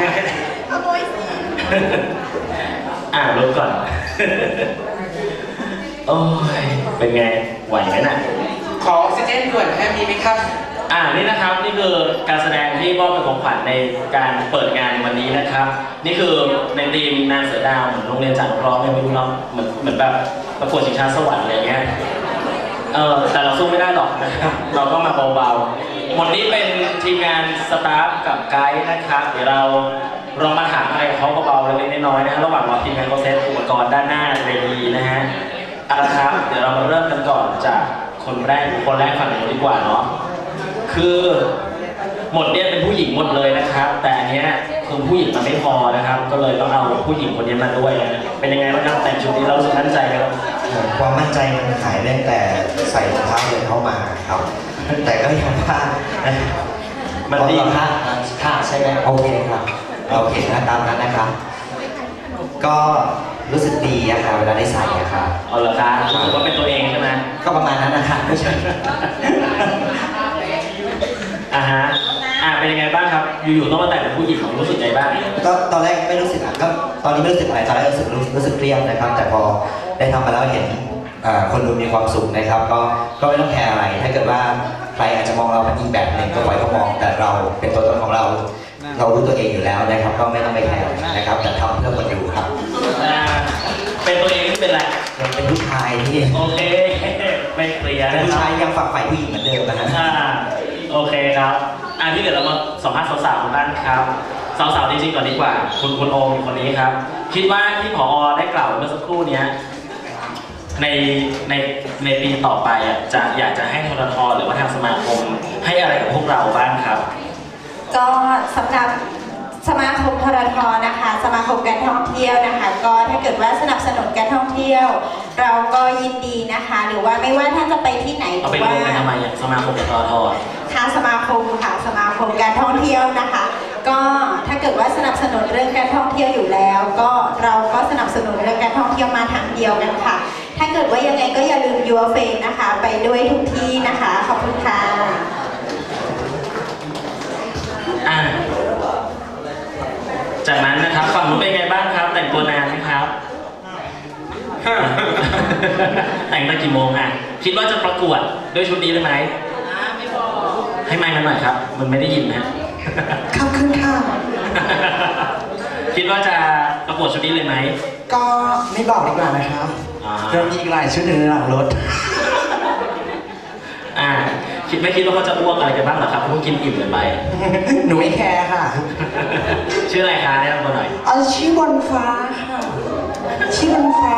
ขโมยสิลบก่อนโอ้ยเป็นไงไหวไหมน่ะขอออกซิเจนด่วนมีไหมครับนี่นะครับนี่คือการแสดงที่มอบเป็นของขวัญในการเปิดงานวันนี้นะครับนี่คือในทีมนางเสือดาวเหมือนโรงเรียนจัดร้องไม่รู้เนาะเหมือนแบบประกวดชิงช้าสวรรค์อะไรเงี้ยแต่เราสู้ไม่ได้หรอกนะครับเราก็มาเบาๆหมดนี้เป็นทีมงานสตาฟกับไกด์นะครับเดี๋ยวเราลองมาถามอะไรเขาเบาๆเล็กๆน้อยๆนะระหว่างรอทีมงานเขาเซตอุปกรณ์ด้านหน้าเวทีนะฮะครับเดี๋ยวเรามาเริ่มกันก่อนจากคนแรกฝั่งนู้นดีกว่าเนาะคือหมดเนี่ยเป็นผู้หญิงหมดเลยนะครับแต่อันเนี้ยคือผู้หญิงมันไม่พอนะครับก็เลยต้องเอาผู้หญิงคนนี้มาด้วยนะเป็นยังไงบ้างครับแต่งชุดนี้เรามั่นใจไหมครับความมั่นใจมันหายตั้งแต่ใส่รองเท้าเดินเข้ามาครับแต่ก็ยังพลาดมันดีพลาดใช่ไหมโอเคครับโอเคนะตามนั้นนะครับก็รู้สึกดีอะค่ะเวลาได้ใส่อะค่ะเอาเหรอครับรู้สึกว่าเป็นตัวเองใช่ไหมก็ประมาณนั้นนะคะไม่ใช่เป็นยังไงบ้างครับอยู่ๆต้องมาแต่งเป็นผู้หญิงรู้สึกไงบ้างก็ตอนแรกไม่รู้สึกก็ตอนนี้ไม่รู้สึกอะไรตอนแรกรู้สึกเครียดนะครับแต่พอได้ทำมาแล้วเห็นคนดูมีความสุขนะครับก็ไม่ต้องแคร์อะไรถ้าเกิดว่าใครอาจจะมองเราเป็นอีกแบบหนึ่งก็ปล่อยเขามองแต่เราเป็นตัวตนของเรารู้ตัวเองอยู่แล้วนะครับก็ไม่ต้องไปแคร์นะครับแต่ทำเพื่อคนดูครับเป็นตัวเองที่เป็นอะไรเป็นผู้ชายที่โอเคไม่เคลียร์นะผู้ชายยังฝักใฝ่ผู้หญิงเหมือนเดิมนะฮะโอเคครับที่เดี๋ยวเรามาสัมภาษณ์สาวๆบ้างครับสาวๆจริงๆก่อนดีกว่าคุณโอมคนนี้ครับคิดว่าที่ผอ.ได้กล่าวเมื่อสักครู่นี้ในปีต่อไปอยากจะให้ททท.หรือว่าทางสมาคมให้อะไรกับพวกเราบ้างครับก็สำหรับสมาคมททท.นะคะสมาคมการท่องเที่ยวนะคะก็ถ้าเกิดว่าสนับสนุนการท่องเที่ยวเราก็ยินดีนะคะหรือว่าไม่ว่าท่านจะไปที่ไหนหรือว่าไปทำไมสมาคมททท. ค่ะสมาคมการท่องเที่ยวนะคะก็ถ้าเกิดว่าสนับสนุนเรื่องการท่องเที่ยวอยู่แล้วก็เราก็สนับสนุนเรื่องการท่องเที่ยวมาทางเดียวกันค่ะถ้าเกิดว่ายังไงก็อย่าลืมยูเฟนนะคะไปด้วยทุกที่นะคะขอบคุณค่ะจากนั้นนะครับฝั่งนู้นเป็นไงบ้างครับแต่งตัวนานไหมครับแต่งตั้งกี่โมงคิดว่าจะประกวดด้วยชุดนี้เลยไหมไม่บอกให้ไมค์มันหน่อยครับมันไม่ได้ยินนะครับขึ้นค่ะคิดว่าจะประกวดชุดนี้เลยไหมก็ไม่บอกดีกว่านะครับเรามีอีกหลายชุดในหลังรถไม่คิดว่าเขาจะอ้วกอะไรกันบ้างหรอครับเพิ่งกินอิ่มเลยไปหนูไม่แคร์ค่ะชื่ออะไรคะแนะนำตัวหน่อยชื่อบนฟ้าค่ะชื่อบนฟ้า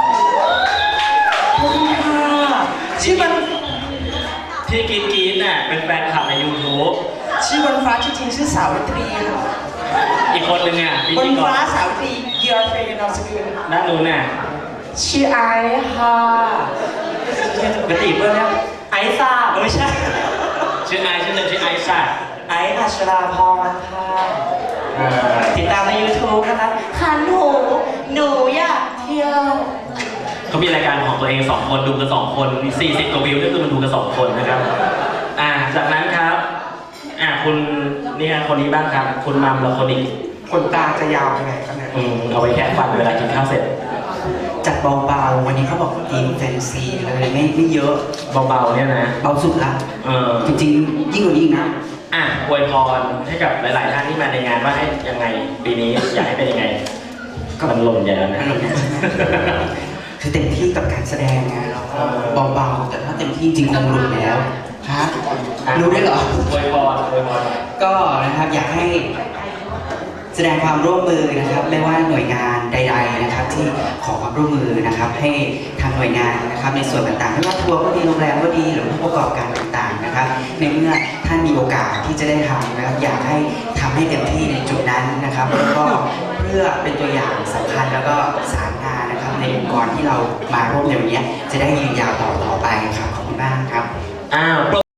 บนฟ้าชื่อบนที่กินเป็นแฟนคลับใน YouTube ชื่อบนฟ้าจริงๆชื่อสาวิตรีค่ะอีกคนนึงบนฟ้าสาวิตรีเยอร์เฟย์นอสกุลนั่นนู้นชื่อไอค่ะกระติบเพื่อนเนี่ยไอซ่าไม่ใช่ชื่อไอชื่อหนึ่งชื่อไอซ่าไออัชราพรค่ะติดตามใน YouTube นะคะค่ะหนูอยากเที่ยวเขามีรายการของตัวเอง2 คนดูกัน2 คน40 กว่าวิวก็คือมันดูกัน2 คนนะครับจากนั้นครับคุณนี่คนนี้บ้างครับคุณมัมและคนนี้คนตาจะยาวไปไหนกันเนี่ยเอาไว้แค่ฟันเวลากินข้าวเสร็จจัดเบาๆวันนี้เขาบอกทีมแฟนซีเลยไม่เยอะเบาๆเนี่ยนะเบาสุดละจริงๆยิ่งกว่านี้นะอวยพรให้กับหลายๆท่านที่มาในงานว่าให้ยังไงปีนี้อยากให้เป็นยังไงก็มันหล่นใหญ่แล้วนะคือเต็มที่กับการแสดงไงเราเบาๆแต่ถ้าเต็มที่จริงคงหลุดแล้วฮะรู้ได้เหรออวยพรก็นะครับอยากให้แสดงความร่วมมือนะครับไม่ว่าหน่วยงานใดๆนะครับที่ขอความร่วมมือนะครับให้ทางหน่วยงานนะครับในส่วนต่างๆไม่ว่าทัวร์ก็ดีโรงแรมก็ดีหรือผู้ประกอบการต่างๆนะครับในเมื่อท่านมีโอกาสที่จะได้ทำนะครับอยากให้ทำให้เต็มที่ในจุดนั้นนะครับแล้วก็เพื่อเป็นตัวอย่างสำคัญแล้วก็สารงานนะครับในองค์กรที่เรามาร่วมในวันนี้จะได้ยืนยาวต่อไปครับขอบคุณมากครับ